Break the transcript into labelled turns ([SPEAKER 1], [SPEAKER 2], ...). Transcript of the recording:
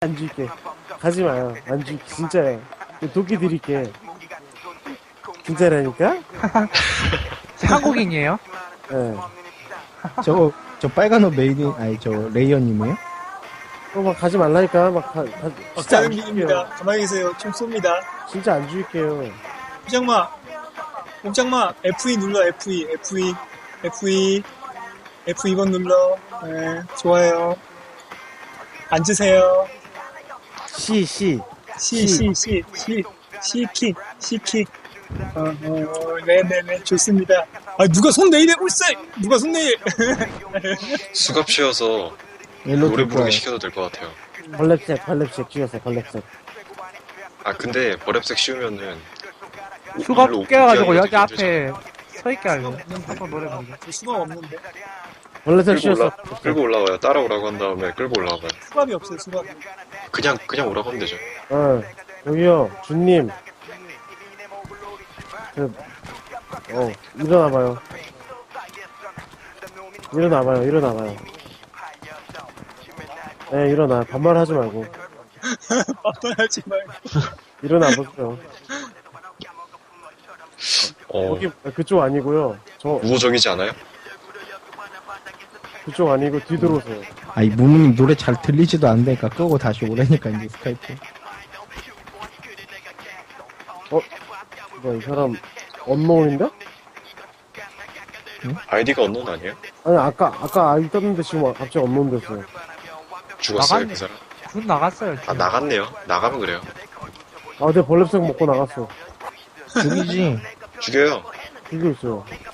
[SPEAKER 1] 안 줄게. 가지 마요. 안 줄게. 진짜요. 도끼 드릴게. 진짜라니까?
[SPEAKER 2] 한국인이에요?
[SPEAKER 1] 예.
[SPEAKER 3] 저 빨간 옷 메이드, 아니, 저 레이어님이에요?
[SPEAKER 1] 막 가지 말라니까. 진짜
[SPEAKER 4] 가는
[SPEAKER 1] 안
[SPEAKER 4] 길입니다.
[SPEAKER 1] 줄게요.
[SPEAKER 4] 가만히 계세요. 총 쏩니다.
[SPEAKER 1] 진짜 안 줄게요.
[SPEAKER 4] 꼼짝마, F2 눌러, F2. F2번 눌러. 네, 좋아요. 앉으세요.
[SPEAKER 1] C.
[SPEAKER 4] C킥. 네네네, 좋습니다. 아, 누가 손 내일하고 있어! 누가 손 내일!
[SPEAKER 5] 수갑 씌워서
[SPEAKER 3] 옐로우
[SPEAKER 5] 노래
[SPEAKER 3] 듣고
[SPEAKER 5] 부르기
[SPEAKER 3] 와요.
[SPEAKER 5] 시켜도 될 것 같아요.
[SPEAKER 1] 벌랩색 죽였어요. 벌랩색.
[SPEAKER 5] 아 근데 버랩색 씌우면은
[SPEAKER 2] 수갑
[SPEAKER 5] 일로
[SPEAKER 2] 깨가지고
[SPEAKER 5] 오픈하기가
[SPEAKER 2] 여기
[SPEAKER 5] 되게
[SPEAKER 2] 앞에 서있게 할래. 한번 노래 부르게.
[SPEAKER 4] 저 수갑 없는데.
[SPEAKER 1] 벌랩색
[SPEAKER 5] 끌고
[SPEAKER 1] 씌웠어.
[SPEAKER 5] 끌고 올라와요. 따라오라고 한 다음에 끌고 올라와봐요.
[SPEAKER 4] 수갑이 없어요, 수갑이.
[SPEAKER 5] 그냥 오라고 하면 되죠.
[SPEAKER 1] 여기요. 준님. 일어나봐요. 네, 일어나. 반말하지 말고.
[SPEAKER 4] 반말하지 말고.
[SPEAKER 1] 일어나보세요. 여기, 그쪽 아니고요.
[SPEAKER 5] 우호적이지 않아요?
[SPEAKER 1] 그쪽 아니고 뒤돌아오세요.
[SPEAKER 3] 아이, 무무님 노래 잘 들리지도 않으니까 끄고 다시 오라니까, 이제 스카이프.
[SPEAKER 1] 이 사람, 언노인데?
[SPEAKER 5] 아이디가 언론 아니에요?
[SPEAKER 1] 아니, 아까 아이 떴는데 지금 갑자기 언노 됐어요.
[SPEAKER 5] 죽었어요
[SPEAKER 2] 나갔네.
[SPEAKER 5] 그 사람?
[SPEAKER 2] 군 나갔어요.
[SPEAKER 5] 아 나갔네요. 나가면 그래요.
[SPEAKER 1] 내 벌랩색 먹고 나갔어.
[SPEAKER 3] 죽이지.
[SPEAKER 5] 죽여요.
[SPEAKER 1] 죽이고 있어요.